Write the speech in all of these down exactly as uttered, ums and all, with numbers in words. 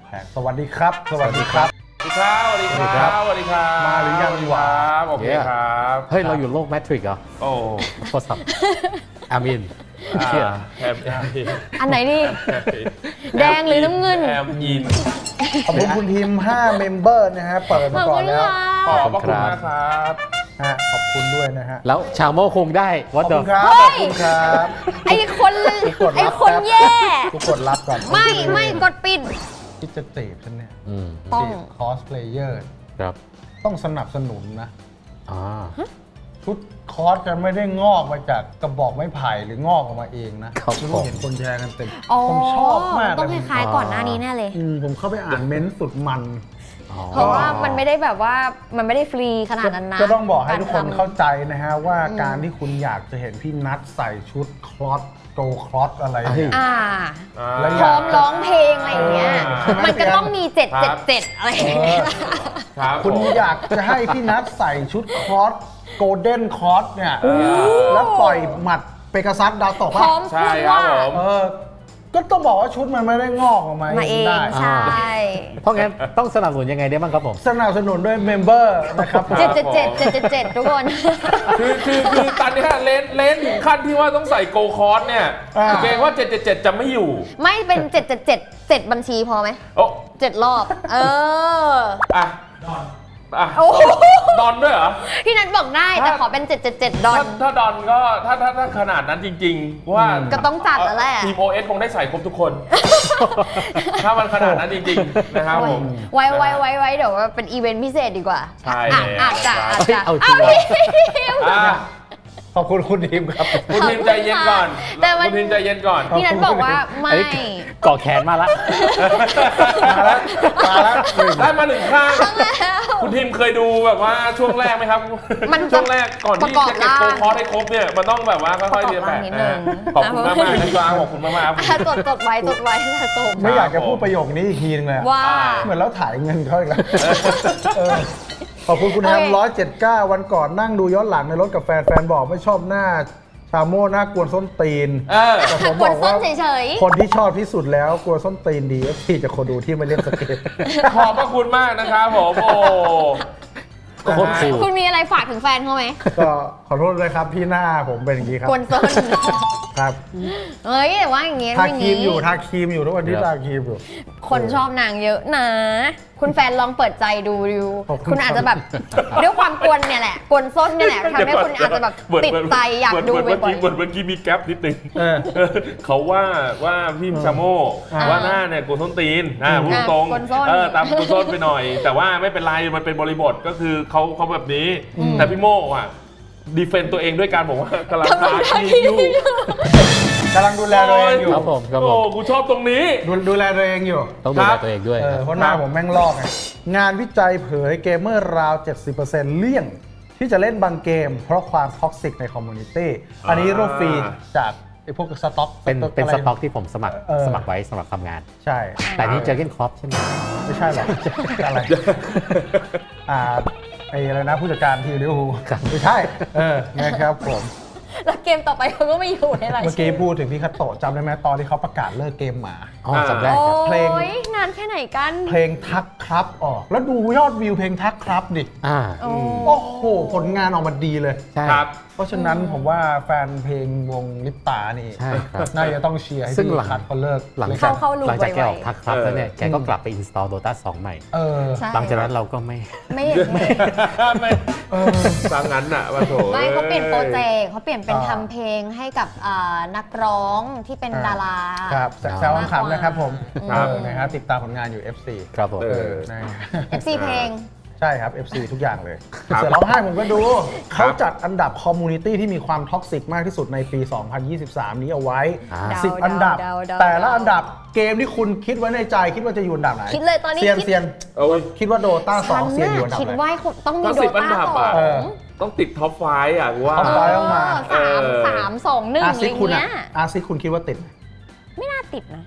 แพงสวัสดีครับสวัสดีครับสวัสดีครับสวัสดีครับสวัสดีครับมาหรือยังวะโอเคครับเฮ้ยเราอยู่โลกแมทริกซ์เหรอโอ้โทรศัพท์อามินเชี่ยแอมยินอันไหนดี แดงหรือน้ำเงินแอมยินขอบคุณคุณทีมห้าเมมเบอร์นะฮะเปิดมาก่อนแล้วขอบพระคุณมากครับฮะขอบคุณด้วยนะฮะแล้วชาโมคงได้ขวัอบดเดิคุมณครับเฮ้ขอย บคุณครับไอ้คนทุกคนรับไอ้คนแย่ทุกคนรับก่อนไม่ไม่กดปิดคิดจะจีบฉันเนี่ยอืมต้องจีบคอสเพลเยอร์ครับต้องสนับสนุนนะอ่าชุดคอสจะไม่ได้งอกมาจากกระบอกไม้ไผ่หรืองอกออกมาเองนะไม่รู้เห็นคนแชร์กันเต็มอ๋อผมชอบมากต้องเลยคล้ายๆก่อนหน้านี้แน่เลยอืมผมเข้าไปอ่านเม้นต์สุดมันอ๋อเพราะว่ามันไม่ได้แบบว่ามันไม่ได้ฟรีขนาดนั้นนะก็ต้องบอกให้ทุกคนรทำเข้าใจนะฮะว่าการที่คุณอยากจะเห็นพี่นัทใส่ชุดคลอสโกคลอสอะไรเนี่ยอ่าแล้วพร้อมร้องเพลงอะไรอย่างเงี้ยเออมันก็ต้องมีเจ็ดเจ็ดเจ็ดอะไรอย่างเงี้ยครับคุณอยากจะให้พี่นัทใส่ชุดคลอสโกลเด้นคลอสเนี่ยแล้วปล่อยหมัดเปกาซัสดาวตกพร้ป่ะอมใช่พูดครับว่าผมเออก็ต้องบอกว่าชุดมันไม่ได้งอกออกมามาเองได้ใช่เพราะงั้นต้องสนับสนุนยังไงได้บ้างครับผมสนับสนุนด้วยเมมเบอร์นะครับเจ็ดเจ็ดเจ็ดเจ็ดเจ็ดเจ็ดทุกคนคือคือคือตอนนี้เลนเลนถึงขั้นที่ว่าต้องใส่โกคอร์สเนี่ยเกรงว่าเจ็ดเจ็ดเจ็ดจะไม่อยู่ไม่เป็นเจ็ดเจ็ดเจ็ดเจ็ดบัญชีพอไหมโอ้เจ็ดรอบ เอออะอ่ะโอ้โหดอนด้วยเหรอพี่นัทบอกได้แต่ขอเป็นเจ็ดเจ็ดเจ็ดดอถ้าน ถ้าดอนก็ถ้าถ้าถ้าขนาดนั้นจริงๆว่าก็ต้องจัดแล้วแหละทีมโอเอสคงได้ใส่ครบทุกคน ถ้ามันขนาดนั้นจริงๆนะครับผมไว้ไว้ไว้ไว้เดี๋ยวว่าเป็นอีเวนต์พิเศษดีกว่าใช่อ่ะแล้วอาจจะอาจจะเอาจริงเหรออ่ะขอบคุณคุณทีมครับคุณทีมใจเย็นก่อนแต่มันคุณทีมใจเย็นก่อนพี่นัทบอกว่าไม่อันนี้ก่อแขนมาละมาแล้วมาแล้วหนึ่งได้มาหนึ่งข้างทั้งแล้วคุณทีมเคยดูแบบว่าช่วงแรกไหมครับมันจะช่วงแรกก่อนที่ประกอบจะเก็บโกร่างคอร์สให้ครบเนี่ยมันต้องแบบว่าค่อยๆเรียนแบบประกอบร่างนิดนึงขอบคุณมากมากๆนะครับขอบคุณมากมากๆครับอ่ะจดจดไว้จดไว้สะสมไม่อยากจะพูดประโยคนี้อีกทีนึงเลยอะว่าเหมือนเราถ่ายเงินเขาอีกแล้วเออขอบคุณคุณแฮมโอเคร้อยเจ็ดเก้าวันก่อนนั่งดูย้อนหลังในรถกับแฟนแฟนบอกไม่ชอบหน้าชาโม่หน้ากวนส้นตีนเออแต่ผมกบดอกส้ว่านเฉยคนที่ชอบที่สุดแล้วกลัวส้นตีนดีเอฟซีจะคนดูที่ไม่เล่นสเก็ตขอบพระคุณมากนะครับผมโอ้โคตรคูลๆคุณมีอะไรฝากถึงแฟนเขาไหมก็ขอโทษเลยครับพี่หน้าผมเป็นอย่างนี้ครับกวนส้นครับเอ้ยแต่ว่าอย่างเงี้ยทาอย่างครีมงี้อยู่ทาครีมอยู่ทุกวันที่ทาครีมอยู่คนชอบนางเยอะนะ คุณแฟนลองเปิดใจดูดูขอบคุณคุณอาจจะแบบด้วยความกวนเนี่ยแหละกวนส้นเนี่ยแหละทำให้คุณอาจจะแบบติดใจอยากดูเหมือนบ่เมื่ออย กี้เหมือนเมื่อกี้มีแก๊ปนิดนึงเออเขาว่าว่าพี่ชาโม่อ่าว่าหน้าเนี่ยกูส้นตีนอ่าพูดตรงกวนส้นเออตามกูส้นไปหน่อย แต่ว่าไม่เป็นไรมันเป็นบริบทก็คือเขาเขาแบบนี้ แต่พี่โม่อ่ะดีเฟนต์ตัวเองด้วยการบอกว่ากำลังทาครีมอยู่กำลังดูแลตัวเองอยู่ครับผมครับผมโอ้กูชอบตรงนี้ดูดูแลตัวเองอยู่ต้องดูแลตัวเองด้วยเอคอรับเพราะหน้าผมแม่งลอกไงงานวิจัยเผยเกมเมอร์ราว เจ็ดสิบเปอร์เซ็นต์ เลี่ยง ที่จะเล่นบางเกม เพราะความท็อกซิกในคอมมูนิตี้อันนี้รูปฟรีจากไอ้พวกสต็อกเป็นเป็นอะไรสต็อกที่ผมสมัครเออสมัครไว้สำหรับทำงานใช่แต่นี่เจอเก้นครอปใช่ไหมไม่ใช่หรอก อะไรอ่าไอ้อะไรนะผู้จัดการทีมลิเวอร์พูลครับไม่ใช่เออนะครับผมแล้วเกมต่อไปเขาก็ไม่อยู่ในรายเมื่อชื่กี้พูดถึงพี่คัตโตะจำได้ไหมตอนที่เขาประกาศเลิกเกมหมาอ๋อจำได้โอ้ครับเพลงยนานแค่ไหนกันเพลงทักครับออก แล้วดูยอดวิวเพลงทักครับดิอ่าโอ้โอ้โห ผลงานออกมาดีเลยใช่ครับเพราะฉะนั้นผมว่าแฟนเพลงวงลิปตานี่ใช่ครับน่าจะต้องเชียร์ให้ซึ่งพี่หลังคัทเขาเลิกหลังเลยจากเข้าๆรูปหลังจากแกไวๆออกทักครับแล้วเนี่ยแกก็กลับไป install Dota สองใหม่เออใช่หลังจากนั้นเราก็ไม่ไม่เห็นไม่ไม่เออฟังงั้นอ่ะว่าโถไม่เขาเปลี่ยนโปรเจกต์เขาเปลี่ยนเป็นอ่าทำเพลงให้กับอ่านักร้องที่เป็นดาราครับแซวขำๆนะครับผมครับเออนะฮะติดตามผลงานอยู่ เอฟ ซีครับผมเอเอออนะฮะเอฟ ซี เพลงใช่ครับ เอฟ ซี ทุกอย่างเลยครับเสือร้องไห้ผมก็ดูครัเขาบจัดอันดับคอมมูนิตี้ที่มีความท็อกซิกมากที่สุดในปี สองพันยี่สิบสาม นี้เอาไว้อ่าสิบเดาอันดับเดาเดาแต่ละอันดับเกมที่คุณคิดไว้ในใจคิดว่าจะอยู่อันดับไหนคิดเลยตอนนี้เซียนคิดเซียนโอ้ยคิดว่าโดตาสองเซียนอยู่อันดับคิดไหนว่าต้องมีก็โดสิบอันตาดับสออ่ะงเออต้องติดท็อปไฟว์อ่ะกูว่าท็อปไฟว์ ต้องมาเออสามเออสามสองหนึ่งอาอะไรซิคุณเงี้อะยอาซิคุณคิดว่าติดไหมไม่น่าติดนะ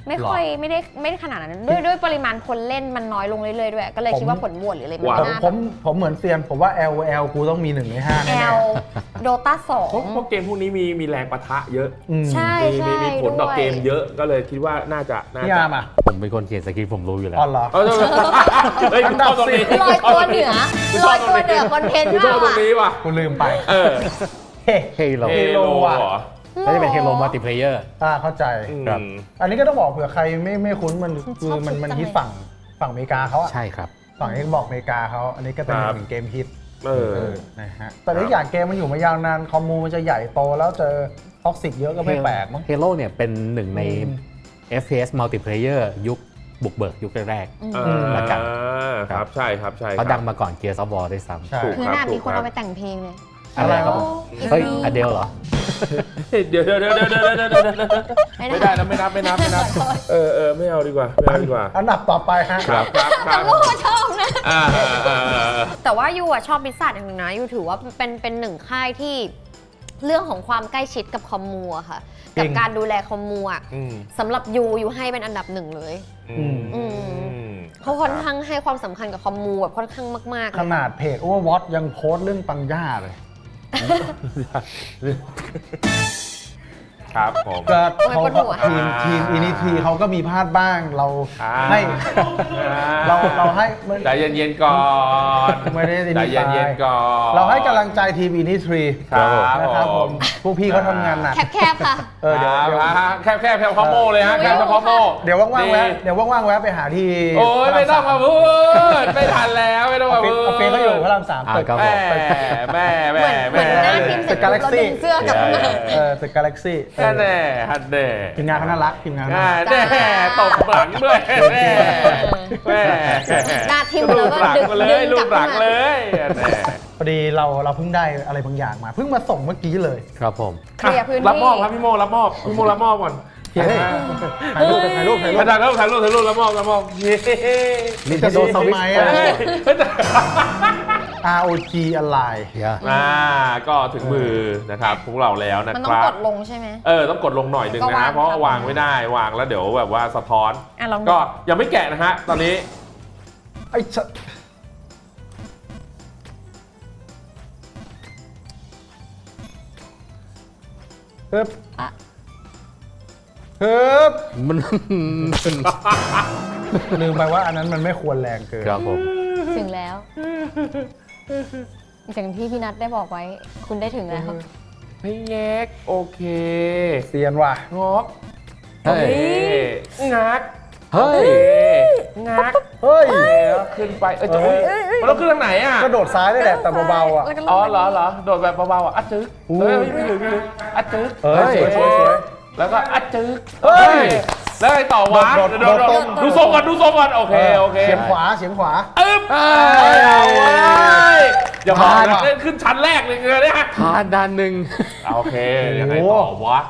ไม่ค่อยไม่ได้ไม่ได้ขนาดนั้นด้วยด้วยปริมาณคนเล่นมันน้อยลงเรื่อยๆด้วยก็เลยคิดว่าผลโหวตหรืออะไรมันผมไม่น่าผมผมเหมือนเซียนผมว่า แอล แอล กูต้องมีหนึ่งในห้าแอแน่ลโดตาสองเพราะเพราะเกมพวกนี้มีมีแรงปะทะเยอะๆอืมใช่มีใช่มีมีผลต่อด้วยเกมเยอะก็เลยคิดว่าน่าจะน่าพี่จะอาร์มอ่ะผมเป็นคนเขียนสคริปต์ผมรู้อยู่แล้วอ๋อเหรอเออเฮ้ยคุณชอบตรงนี้ลอยตัวเหนือลอยตัวเหนือคอนเทนต์คุณชมาอบกตรงอะนี้ว่ะกูลืมไปเออเฮ้เฮโลเฮโลว่ะเหรอน่าจะเป็นเฮโลมัลติเพลเยอร์อ่าเข้าใจครับอืมอันนี้ก็ต้องบอกเผื่อใครไม่ไม่คุ้นมันคือมันมันฮิตฝั่งฝั่งอเมริกาเขาอะใช่ครับฝั่งเอ็กบอกอเมริกาเขาอันนี้ก็เป็นครับหนึ่งเกมฮิตเออเออนะฮะแต่อีกอย่างเกมมันอยู่มายาวนานคอมมูมันจะใหญ่โตแล้วเจอท็อกซิกเยอะก็ไม่แปลกมั้งเฮโลเนี่ยเป็นหนึ่งในอืมเอฟ พี เอส Multiplayer ยุคบุกเบิกยุคแรกอืมเออืมอแล้วกันครับใช่ครับใช่ๆครัเขาบดังมาก่อน Gears of War ด้วยซ้ใช่ถูกคือหน้ามีคนเอาไปแต่งเพลงเลยำอะไรครับผม เฮ้ยอเดลเหรอเดี๋ยวเดี๋ยวเดี๋ยวเดี๋ยวเดี๋ยวเดี๋ยวเดี๋ยวไม่ได้นะไม่นับไม่นับไม่นับเออเออไม่เอาดีกว่าไม่เอาดีกว่าอันดับต่อไปฮะครับครับคแต่รับโม่ชอบนะอ่าอ่าอ่าอ่าแต่ว่ายูอะชอบบิสซัทอย่างหนึงนะยูถือว่าเป็นเป็นหนึ่งค่ายที่เรื่องของความใกล้ชิดกับคอมมูอะค่ะจริกับงการดูแลคอมมูอะอืมสำหรับยูยูให้เป็นอันดับหนึ่งเลยอืมอืม เขาค่อนข้างให้ความสำคัญกับคอมมูแบบค่อนข้างมากๆเลยขนาดเพจ Overwatch ยังโพสต์เรื่องปังย่าเลยครับผมก็โอ้ยเขาปวดหัวทีมทีมอินิทีเขาก็มีพลาดบ้างเราอ่าให้เราเราให้มันใจเย็นๆก่อนไม่ได้ใจเย็นๆก่อนเราให้กำลังใจทีมอินิทรีครับนะครับผมพวกพี่เขาทำงานหนักแคบๆค่ะเออเดี๋ยวเดี๋ยวอ่าแคบแคบแคบคอมโมเลยฮะแคบคอมโมเดี๋ยวว่างๆแวะเดี๋ยวว่างๆแวะไปหาที่โอ้ยพระรไม่ต้องสมาพูดไม่ทันแล้วไม่ต้องออมาฟฟิศพูดออฟฟิศเขาอยู่พระรามสามอ่าตึกครับแม่แม่แม่เหมือนเหมืแม่อนหน้าทีมเสร็จปุ๊บเราดึงเสื้อกลับมาเออตึกกาแล็กซี่แน่แน่ฮันแน่ทีมงานเขาน่ารักทีมงานเขาแน่น่ารักแน่ตบหลังด้วยแม่แม่หน้าทิ่มลูแล้วกก็หลังดึงมาเลดึยงลูกลับกหลัขึ้นงมาเลยแน่พอดีเราเราเพิ่งได้อะไรบางอย่างมา เพิ่งมาส่งเมื่อกี้เลยครับผมเคลียร์พื้นที่รับมอบครับพี่โมรับมอบพี่โมรับมอบก่อนเฮ้ยถ่ายรูปถ่ายรูปถ่ายรูปถ่ายรูปถ่ายรูปถ่ายรูปรับมอบรับมอบเย้ Nintendo Switch เฮ้ยอาร์ โอ จี อะไรเดี๋ยวอ่าก็ถึงมือนะครับพวกเราแล้วนะมันคต้องรักบดลงใช่ไหมเออต้องกดลงหน่อยหนึ่งก็นะวางเพราะครับวางไม่ได้วางแล้วเดี๋ยวแบบว่าสะท้อนอ่ะลองดูก็ยังไม่แกะนะฮะตอนนี้ไอ้ชะเฮ้ยอ่ะเฮ้ยมันลืมไปว่าอันนั้นมันไม่ควรแรงเกินครับผมถึงแล้วอย่างที่พี่นัทได้บอกไว้ คุณได้ถึงแล้วไม่แงกโอเคเซียนว่ะงอกเฮ้ยนี่งักเฮ้ยโอเคงักเฮ้ยแล้วขึ้นไปเออจะเอ้ยมันต้องขึ้นทางไหนอ่ะก็โดดซ้ายได้แหละแต่เบาๆอ่ะแล้วก็ลงอ๋อเหรอเหรอโดดแบบเบาๆอ่ะอัดจึ๊กอู้เฮ้ยไม่ถึงไม่ถึงอัดจึ๊กเอ้ยสวยสวยสวยแล้วก็อัดจึ๊กเฮ้ยแล้วไงต่อวะโดดโดดโดดดูทรงก่อนดูทรงก่อนโอเคโอเคเฉียงขวาเฉียงขวาอึ๊บเอ้เอายเว้ยอย่าบอกผ่านนะว่ะเล่นขึ้นชั้นแรกเลยเนี่ยผ่านด้านหนึ่งโอเคยังไงต่อวะ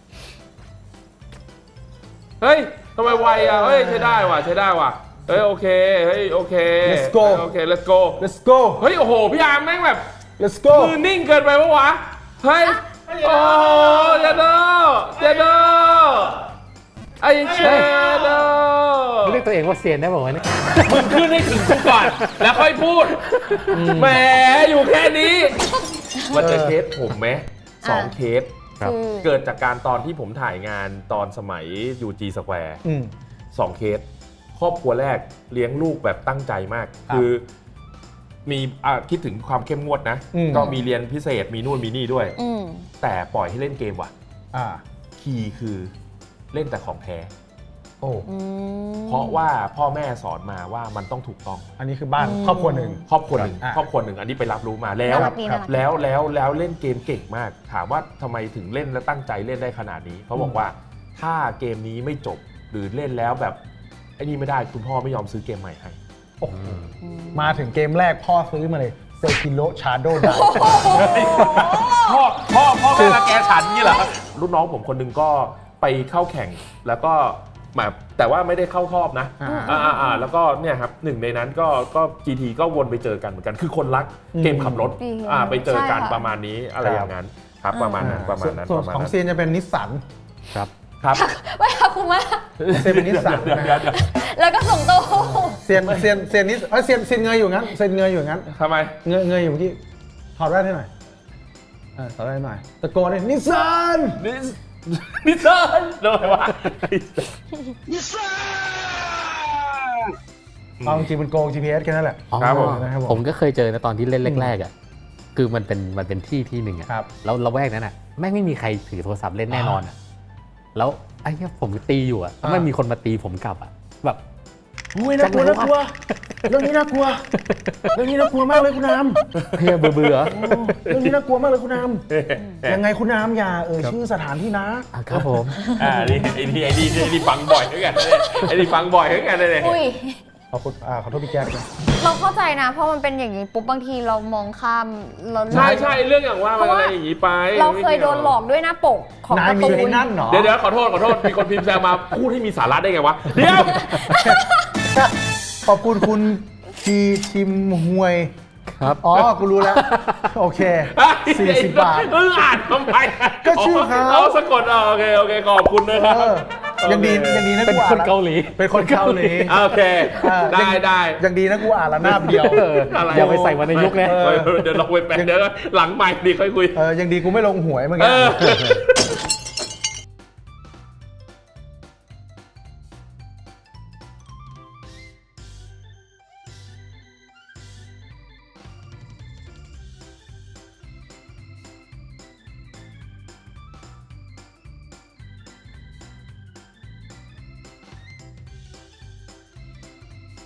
เฮ้ยทำไมไวอ่ะเฮ้ยใช้ได้ว่ะใช้ได้ว่ะเฮ้ยโอเคเฮ้ยโอเค Let's go โอเค let's go let's go เฮ้ยโอ้โหพี่อาร์มแม่งแบบ let's go มือนิ่งเกินไปปะวะเฮ้ยโอ้เจโดเจโดไอเชโดเรียกตัวเองว่าเซียนได้บอกว่าวะเนี่ยมึงขึ้นให้ถึงกูก่อนแล้วค่อยพูดแหมอยู่แค่นี้มันจะเคสผมไหมสองเคสครับคือเกิดจากการตอนที่ผมถ่ายงานตอนสมัย ยู จี Square อืมสองเคส ครอบครัวแรกเลี้ยงลูกแบบตั้งใจมากครับคือมีอ่ะคิดถึงความเข้มงวดนะอืมก็มีเรียนพิเศษมีนู่นมีนี่ด้วยอืมแต่ปล่อยให้เล่นเกมว่ะอ่าคีย์คือเล่นแต่ของแท้โอ้อืมเพราะว่าพ่อแม่สอนมาว่ามันต้องถูกต้องอันนี้คือบ้านอืมครอบครัวหนึ่งครอบครัวหนึ่งอ่ะครอบครัวหนึ่งอันนี้ไปรับรู้มาแล้วน่ารักดีน่ารักดีแล้วแล้วแล้วเล่นเกมเก่งมาก ถามว่าทำไมถึงเล่นและตั้งใจเล่นได้ขนาดนี้เขาบอกว่าถ้าเกมนี้ไม่จบหรือเล่นแล้วแบบไอ้นี่ไม่ได้คุณพ่อไม่ยอมซื้อเกมใหม่ให้โอ้โหอืมมาถึงเกมแรกพ่อซื้อมาเลยเซคิโ ชาโดดาพ่อพ่อพ่อแม่รังแกฉันนี่เหรอรุ่นน้องผมคนหนึงก็ไปเข้าแข่งแล้วก็มาแต่ว่าไม่ได้เข้ารอบนะอ่าอ่าอ่าแล้วก็เนี่ยครับหนึ่งในนั้นก็ก็ จี ที ก็วนไปเจอกันเหมือนกัน คือคนรักเกมขับรถอืมอ่าไปเจอกันใช่ค่ะประมาณนี้อะไรอย่างนั้นครับประมาณนั้นประมาณนั้นส่วนประมาณของนั้นเซียนจะเป็นนิสสันครับครับไปหาคุมะเซียนเป็นนิสสันเดี๋ยวนะเดี๋ยวฮะเดี๋ยวแล้วก็ส่งตู้เซียนเซียนเซียนนิสเอ้ยเซียนเซียนเงยอยู่งั้นเซียนเงยอยู่งั้นทำไมเงยเงยอยู่เมื่อกี้ถอดแว่นให้หน่อยเออถอดแว่นให้หน่อยตะโกนเลยนิสสันนิสนิสสันโดนวะเอาจริงๆมันโกง จี พี เอส แค่นั้นแหละอ๋อครับผมนะครับผมผมก็เคยเจอนะตอนที่เล่นแรกๆอ่ะคือมันเป็นมันเป็นที่ที่หนึ่งอ่ะครับแล้วละแวกนั้นอ่ะแม่งไม่มีใครถือโทรศัพท์เล่นแน่นอนอ่ะแล้วไอ้เนี่ยผมตีอยู่อ่ะแล้วมันมีคนมาตีผมกลับอ่ะแบบโอ้ยน่ากลัวน่ากลัวเรื่องนี้น่ากลัวเรื่องนี้น่ากลัวมากเลยคุณน้เฮียเบื่อเบื่อำโอ้เรื่องนี้น่ากลัวมากเลยคุณน้ำยังไงคุณน้ำอย่าเอ่ยชื่อสถานที่นะอ่ะครับผมอ่านี่ไอ้นี่ไอ้นี่ไอ้นี่ฟังบ่อยเหมือนกันเลยไอ้นี่ฟังบ่อยเหมือนกันเลยอุ้ยขอบคุณอ่าขอโทษพี่แจ๊คนะเราเข้าใจนะ เพราะมันเป็นอย่างนี้ปุ๊บบางทีเรามองข้ามเราใช่ใช่เรื่องอย่างว่ามันอะไรอย่างนี้ไปเราเคยโดนหลอกด้วยหน้าปกของนายการ์มีตูไอ้นนั่นเหรอเดี๋ยวเดี๋ยวขอโทษขอโทษมีคนพิมพ์แซวมาพูดให้มีสาระได้ไงวะเดี๋ยวขอบคุณคุณทีชิมหวยครับอ๋อ กูรู้แล้ว โอเค สี่สิบบาทเอออ่านทำไมก็ชื่อเขาเอาสะกดเอาโอเคโอเคขอบคุณนะครับเออยังดียังดีนะเป็นกูคอ่าน นเกาหลีเป็นคนเกาหลีโอเคเออได้ยังได้ยังดีนะกูอ่านละหน้าเดียวเอออะไรอย่าไปใส่วันในยุคนะเออเดี๋ยวเราไปแปลเดี๋ยวหลังใหม่ดีค่อยคุยเออยังดีกูไม่ลงหวยเมื่อเอกี้อ